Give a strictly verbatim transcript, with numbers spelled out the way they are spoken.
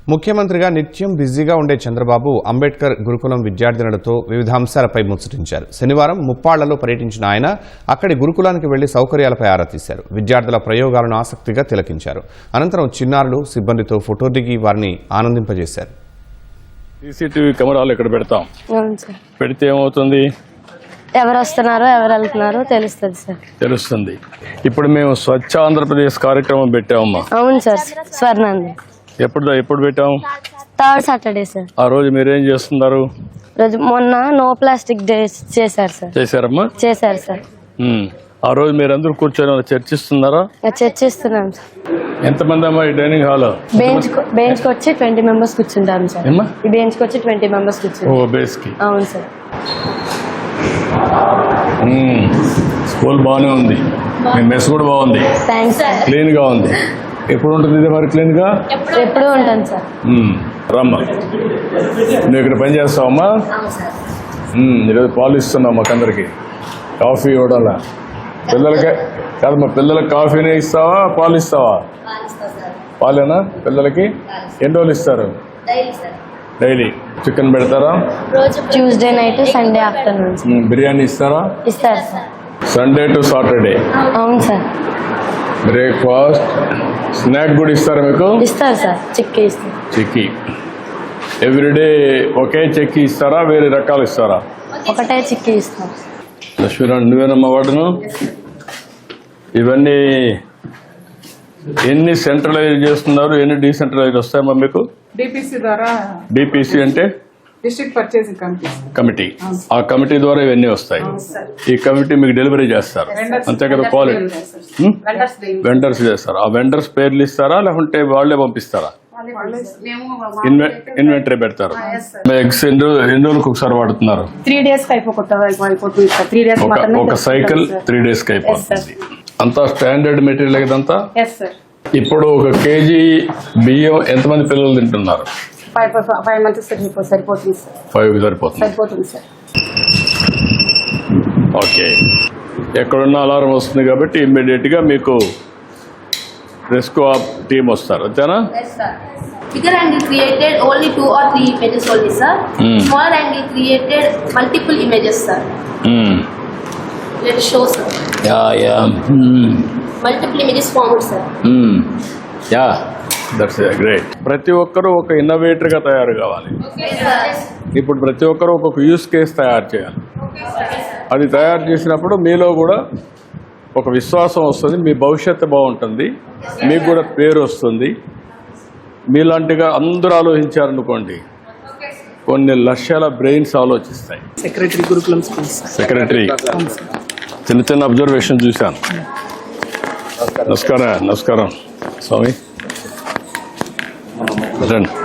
ముఖ్యమంత్రిగా నిత్యం బిజీగా ఉండే చంద్రబాబు అంబేద్కర్ గురుకులం విద్యార్థినులతో వివిధ అంశాలపై ముచ్చటించారు. శనివారం ముప్పాళ్లలో పర్యటించిన ఆయన అక్కడి గురుకులానికి వెళ్లి సౌకర్యాలపై ఆరా తీశారు. విద్యార్థుల ప్రయోగాలను ఆసక్తిగా తిలకించారు. అనంతరం చిన్నారులు సిబ్బందితో ఫోటో దిగి వారిని ఆనందింపజేశారు. సీసీటీవీ కెమెరాలు ఇక్కడ పెడతాం. పెడితే ఏమవుతుంది? ఎవరు వస్తున్నారో ఎవరు వెళ్తున్నారో తెలుస్తుంది సార్. తెలుస్తుంది. ఇప్పుడు మేము స్వచ్ఛ ఆంధ్రప్రదేశ్ కార్యక్రమం పెట్టామమ్మా. అవును సార్. స్వర్ణాంది ఎప్పుడు ఎప్పుడు పెట్టాము? Third Saturday sir. ఆ రోజు మీరేం చేస్తున్నారు? రోజు మొన్న నో ప్లాస్టిక్ డే చేశారు సార్. చేశారమ్మా? చేశారు సార్. ఆ రోజు మీరందరూ కూర్చొని చర్చిస్తున్నారా? చర్చిస్తున్నాం సార్. ఎంతమంది అమ్మా ఈ డైనింగ్ హాల్? బెంచ్ బెంచ్ కి వచ్చి ట్వంటీ మెంబర్స్ కూర్చుంటాం సార్. ఈ బెంచ్ కి వచ్చి ట్వంటీ మెంబర్స్ కూర్చుంటాం. ఓ బేస్ కి. అవును సార్. స్కూల్ బాగానే ఉంది. మీ మెస్ కూడా బాగుంది. Thanks sir. క్లీన్ గా ఉంది. ఎప్పుడు ఉంటుంది ఇది మరి క్లీన్ గా? ఎప్పుడు ఉంటాను సార్. రమ్మా, నువ్వు ఇక్కడ పని చేస్తావమ్మా? ఈరోజు పాలు ఇస్తున్నావు మాకందరికి. కాఫీ ఇవ్వడాలా? పిల్లలకి కాదమ్మా, పిల్లలకి కాఫీనే ఇస్తావా పాలు ఇస్తావా? పాలేనా పిల్లలకి? ఎన్ని రోజులు ఇస్తారు? డైలీ. చికెన్ పెడతారా? Tuesday night Sunday afternoon. Biryani ఇస్తారా? ఇస్తారు సార్. Sunday to Saturday. అవును సార్. బ్రేక్ఫాస్ట్, స్నాక్ కూడా ఇస్తారా మీకు? ఇస్తారు సార్. చిక్కీ ఇస్తారు. చిక్కీ ఎవ్రీడే ఒకే చెక్కి ఇస్తారా, వేరే రకాలు ఇస్తారా? ఒకటే చిక్కీ ఇస్తాం. లక్ష్మీరావు నువ్వేనమ్మా వాడును. ఇవన్నీ ఎన్ని సెంట్రలైజ్ చేస్తున్నారు, ఎన్ని డీసెంట్రలైజ్ వస్తాయమ్మా మీకు? డిపిసి ద్వారా. డిపిసి అంటే డిస్ట్రిక్ట్ పర్చేసింగ్ కమిటీ. కమిటీ. ఆ కమిటీ ద్వారా ఇవన్నీ వస్తాయి. ఈ కమిటీ మీకు డెలివరీ చేస్తారు అంతే కదా? క్వాలిటీ వెండర్స్ చేస్తారు. ఆ వెండర్స్ పేర్లు ఇస్తారా లేకుంటే వాళ్ళే పంపిస్తారా? ఇన్వెంటరీ పెడతారు. ఎగ్స్ ఎన్ని ఎన్ని రోజులకు ఒకసారి వాడుతున్నారు? త్రీ డేస్ అయిపోతుంది. త్రీ డేస్ ఒక సైకిల్ త్రీ డేస్ కి అయిపోతుంది. అంతా స్టాండర్డ్ మెటీరియల్ ఇదంతా. ఇప్పుడు ఒక కేజీ బియ్యం ఎంతమంది పిల్లలు తింటున్నారు? ఫైవ్ ఫైవ్ మంత్స్ సరిపోతుంది సార్. ఫైవ్ సరిపోతుంది. సరిపోతుంది సార్. ఓకే. ఎక్కడున్న అలారం వస్తుంది కాబట్టి ఇమ్మీడియట్ గా మీకు రెస్క్యూ టీమ్ వస్తారు అంతేనా? Bigger angle created only two or three images only, sir. Mm. Smaller angle created multiple images, sir. Mm. Let's show, sir. Yeah, yeah. Mm. Multiple images formed, sir. Mm. Yeah, that's uh, great. ప్రతి ఒక్కరూ ఒక innovator గా తయారు కావాలి. Okay, sir. ఇప్పుడు ప్రతి ఒక్కరూ ఒక్కొక్క యూస్ కేస్ తయారు చేయాలి. అది తయారు చేసినప్పుడు మీలో కూడా ఒక విశ్వాసం వస్తుంది, మీ భవిష్యత్తు బాగుంటుంది, మీకు కూడా పేరు వస్తుంది. మీలాంటిగా అందరూ ఆలోచించారనుకోండి, కొన్ని లక్షల బ్రెయిన్స్ ఆలోచిస్తాయి. Secretary Gurukulam school. సెక్రటరీ చిన్న చిన్న అబ్జర్వేషన్ చూశాను. నమస్కారం. నమస్కారం స్వామి. రండి.